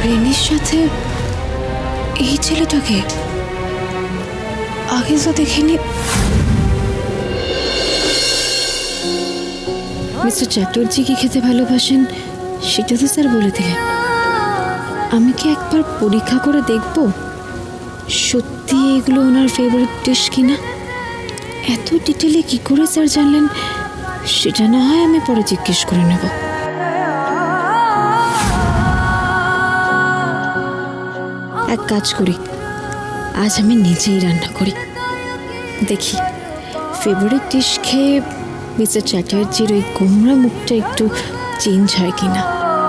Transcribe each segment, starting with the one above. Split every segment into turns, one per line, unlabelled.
রেনির সাথে এই ছেলেটাকে আগে তো দেখিনি। মিস্টার চ্যাটার্জি কি খেতে ভালোবাসেন সেটা তো স্যার বলে দিলেন। আমি কি একবার পরীক্ষা করে দেখব সত্যি এগুলো ওনার ফেভারিট ডিশ কিনা। এত ডিটেলে কি করে স্যার জানলেন সেটা না হয় আমি পরে জিজ্ঞেস করে নেব। এক কাজ করি, আজ আমি নিজেই রান্না করি, দেখি ফেভারিট ডিশ খেয়ে মিস্টার চ্যাটার্জির ওই গোমরা মুখটা একটু চেঞ্জ হয় কিনা।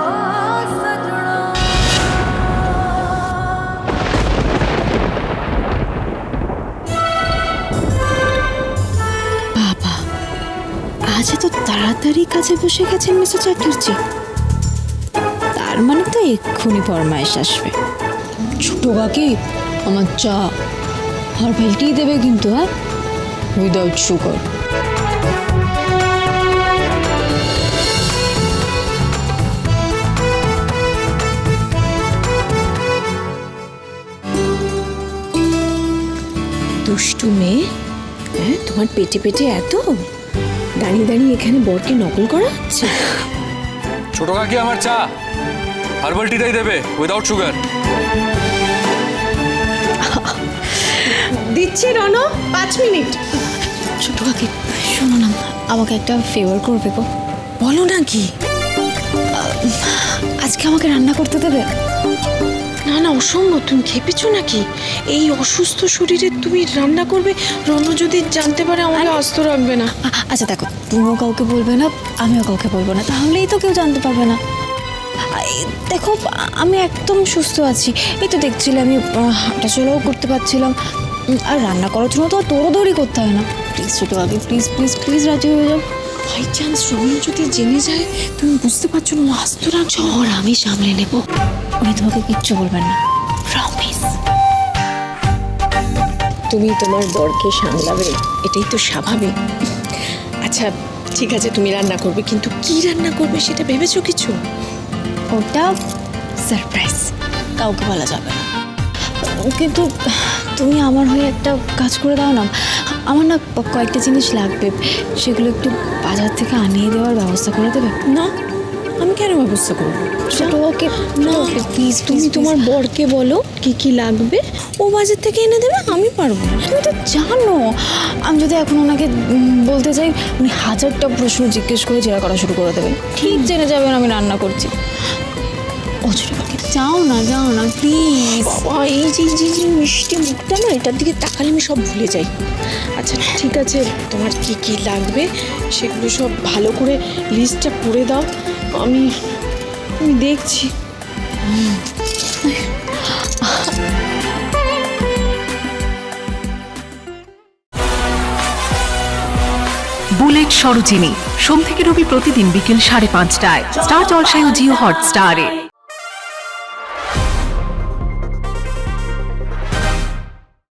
বাবা, আজ এত তাড়াতাড়ি কাজে বসে গেছেন মিস্টার চ্যাটার্জি, তার মানে তো এক্ষুনি ফরমায়েশ আসবে।
ছোট কাকি আমার চা আর ভেলটি দেবে কিন্তু, হ্যাঁ, উইদাউট সুগার।
দুষ্টু মেয়ে, হ্যাঁ, তোমার পেটে পেটে এত দাঁড়িয়ে দাঁড়িয়ে এখানে বরকে নকল করা হচ্ছে।
ছোট কাকি আমার চা হার্বাল টিটাই দেবে উইদাউট সুগার।
দিচ্ছি রনো, 5 মিনিট।
ছোট কাকি শোনো না, আমাকে একটা ফেভার করবে গো।
বলো না কি?
আজকে আমাকে রান্না করতে দেবে?
না না, অসম্ভব, তুমি খেপেছো নাকি? এই অসুস্থ শরীরে তুমি রান্না করবে? রনো যদি জানতে পারে আমাকে আস্ত রাখবে না।
আচ্ছা দেখো, তুমিও কাউকে বলবে না, আমিও কাউকে বলবো না, তাহলেই তো কেউ জানতে পারবে না। দেখো আমি একদম সুস্থ আছি, এই তো দেখছিলে আমি হাঁটাচলাও করতে পারছিলাম, আর রান্না করার জন্য তো দৌড়াদৌড়ি করতে হয় না। প্লিজ ছোটো আগে, প্লিজ প্লিজ প্লিজ রাজি হয়ে যাও।
বাই চান্স রনো যদি জেনে যায়, তুমি বুঝতে পারছো না, আস্ত রাখছো।
ওর আমি সামলে নেব, উনি তোমাকে কিচ্ছু বলবেন না, প্রমিস।
তুমি তোমার বরকে সামলাবে, এটাই তো স্বাভাবিক। আচ্ছা ঠিক আছে, তুমি রান্না করবে, কিন্তু কি রান্না করবে সেটা ভেবেছো কিছু?
ওটা সারপ্রাইজ, কাউকে বলা যাবে না। কিন্তু তুমি আমার হয়ে একটা কাজ করে দাও না, আমার না কয়েকটা জিনিস লাগবে, সেগুলো একটু বাজার থেকে আনিয়ে দেওয়ার ব্যবস্থা করে দেবে?
না, আমি কেন ব্যবস্থা করবো?
ছোট ওকে
না
প্লিজ,
তুমি তোমার বরকে বলো কি কি লাগবে, ও বাজার থেকে এনে দেবে, আমি পারবো না।
তুমি তো জানো আমি যদি এখন ওনাকে বলতে চাই, উনি হাজারটা প্রশ্ন জিজ্ঞেস করে জেরা করা শুরু করে দেবেন, ঠিক জেনে যাবেন আমি রান্না করছি। ও ছোট পাখি, যাও না প্লিজ।
বাবা, এই যে মিষ্টি মুখটা না, এটার দিকে তাকালে আমি সব ভুলে যাই। আচ্ছা ঠিক আছে, তোমার কি কি লাগবে সেগুলো সব ভালো করে লিস্টটা করে দাও, আমি দেখছি।
বুলেট সরোজিনী সোম থেকে রবি প্রতিদিন বিকেল 5:30টায় স্টার জলসায় ও জিও হটস্টারে।